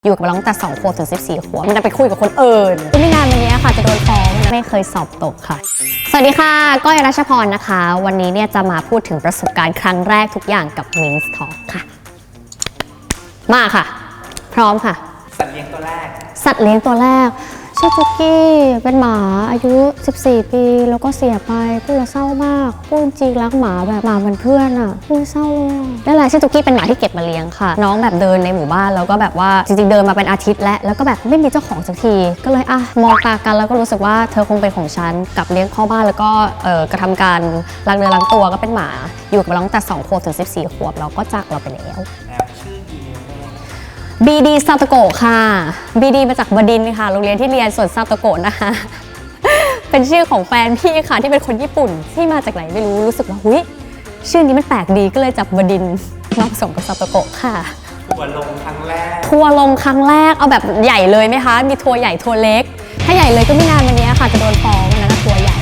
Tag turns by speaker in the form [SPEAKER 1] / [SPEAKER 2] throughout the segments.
[SPEAKER 1] อยู่กับเราตั้งแต่2 ขวบถึง14 ขวบมันจะไปคุยกับคนอื่นไม่นานมานี้ค่ะจะโดนฟ้องไม่เคยสอบตกค่ะสวัสดีค่ะก้อยรัชพรนะคะวันนี้เนี่ยจะมาพูดถึงประสบการณ์ครั้งแรกทุกอย่างกับ Min's Talk ค่ะมาค่ะพร้อมค่ะ
[SPEAKER 2] สัตว์เลี้ยงตัวแรก
[SPEAKER 1] ชื่อจุกกี้เป็นหมาอายุ14 ปีแล้วก็เสียไปพูดแล้วเศร้ามากพูดจริงรักหมาแบบหมาเหมือนเพื่อนอ่ะพูดเศร้าเลยนั่นแหละชื่อจุกกี้เป็นหมาที่เก็บมาเลี้ยงค่ะน้องแบบเดินในหมู่บ้านแล้วก็แบบว่าจริงๆเดินมาเป็นอาทิตย์แล้วก็แบบไม่มีเจ้าของสักทีก็เลยมองตากันแล้วก็รู้สึกว่าเธอคงเป็นของฉันกลับเลี้ยงเข้าบ้านแล้วก็กระทำการล้างเนื้อล้างตัวก็เป็นหมาอยู่กับเราตั้งแต่2 ขวบถึง14 ขวบแล้วก็จากเราไปแล้วบีดีซาโตโกะค่ะบีดีมาจากบดินทร์ค่ะโรงเรียนที่เรียนส่วนซาโตโกะนะคะเป็นชื่อของแฟนพี่ค่ะที่เป็นคนญี่ปุ่นที่มาจากไหนไม่รู้สึกว่าหุ้ยชื่อนี้มันแปลกดีก็เลยจับบดินทร์มาผสมกับซาโตโกะค่ะ
[SPEAKER 2] ทัวร์ลงครั้งแรก
[SPEAKER 1] เอาแบบใหญ่เลยไหมคะมีทัวร์ใหญ่ทัวร์เล็กถ้าใหญ่เลยก็ไม่นานมานี้ค่ะจะโดนฟ้องนะทัวร์ใหญ่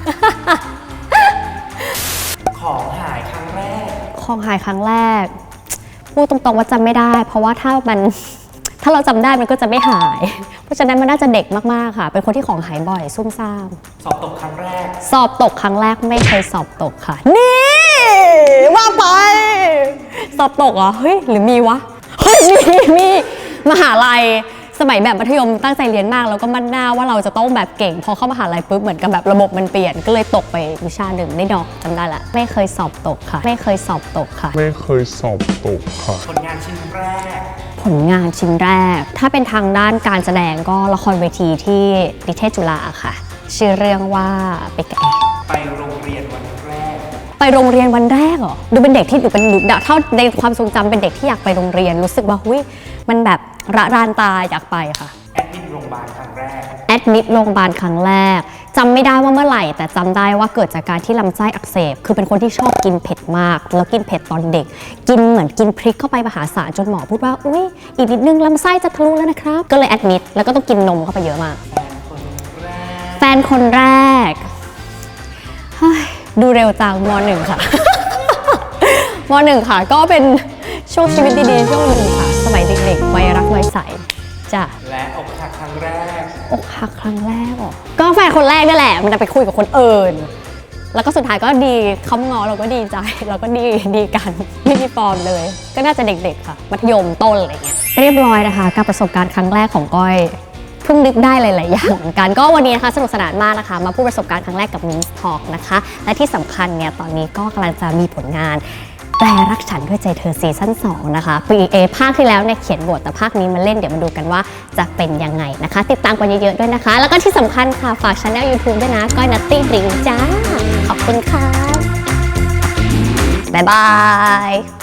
[SPEAKER 2] ของหายครั้งแรก
[SPEAKER 1] พูดตรงๆว่าจำไม่ได้เพราะว่าถ้าเราจำได้มันก็จะไม่หายเพราะฉะนั้นมันน่าจะเด็กมากๆค่ะเป็นคนที่ของหายบ่อยซุ่มซ่าม
[SPEAKER 2] สอบตกครั้งแรก
[SPEAKER 1] ไม่เคยสอบตกค่ะนี่ว่าไปสอบตกเหรอเฮ้ยหรือมีวะเฮ้ยมีมหาลัยสมัยแบบมัธยมตั้งใจเรียนมากแล้วก็มั่นหน้าว่าเราจะต้องแบบเก่งพอเข้ามหาลัยปุ๊บเหมือนกับแบบระบบมันเปลี่ยนก็เลยตกไปวิชาหนึ่งได้ดอกจำได้ละไม่เคยสอบตกค่ะ
[SPEAKER 3] ผลงานชิ้น
[SPEAKER 1] แรกถ้าเป็นทางด้านการแสดงก็ละครเวทีที่นิเทศจุฬาค่ะชื่อเรื่องว่าไปกับแอ
[SPEAKER 2] ไปโรงเรียนวันแรก
[SPEAKER 1] เหรอดูเป็นเด็กที่ดูเป็นเท่าในความทรงจำเป็นเด็กที่อยากไปโรงเรียนรู้สึกว่าหุ้ยมันแบบระรานตาอยากไปค่ะ
[SPEAKER 2] แอดมิดโรงพยาบาลครั้ง
[SPEAKER 1] แรกจำไม่ได้ว่าเมื่อไหร่แต่จำได้ว่าเกิดจากการที่ลำไส้อักเสบคือเป็นคนที่ชอบกินเผ็ดมากแล้วกินเผ็ดตอนเด็กกินเหมือนกินพริกเข้าไปมหาศาลจนหมอพูดว่าอุ้ยอีกนิดนึงลำไส้จะทะลุแล้วนะครับก็เลยแอดมิดแล้วก็ต้องกินนมเข้าไปเยอะมากแฟนคนแรกดูเร็วจังม.1 ค่ะ ม.1 ค่ะก็เป็นช่วงชีวิตดีๆช่วงหนึ่งค่ะสมัยเด็กๆวัยรักวัยใสจ้ะ
[SPEAKER 2] และอกหักครั้งแรก
[SPEAKER 1] เหรอก็แฟนคนแรกนั่นแหละมันจะไปคุยกับคนอื่นแล้วก็สุดท้ายก็ดีเขาง้อเราก็ดีใจเราก็ดีกันไม่มีฟอร์มเลยก็น่าจะเด็กๆค่ะมัธยมต้นอะไรเงี้ยเรียบร้อยนะคะกับประสบการณ์ครั้งแรกของก้อยเพิ่งนึกได้หลายๆอย่างเหมือนกันก็วันนี้นะคะสนุกสนานมากนะคะมาพูดประสบการณ์ครั้งแรกกับ Min's Talk นะคะและที่สำคัญเนี่ยตอนนี้ก็กำลังจะมีผลงานแปลรักฉันด้วยใจเธอซีซั่น 2นะคะภาคที่แล้วเนี่ยเขียนบทแต่ภาคนี้มาเล่นเดี๋ยวมาดูกันว่าจะเป็นยังไงนะคะติดตามกันเยอะๆด้วยนะคะแล้วก็ที่สำคัญค่ะฝากช่อง YouTube ด้วยนะก้อยนัตตี้ดริงจ้าขอบคุณค่ะบ๊ายบาย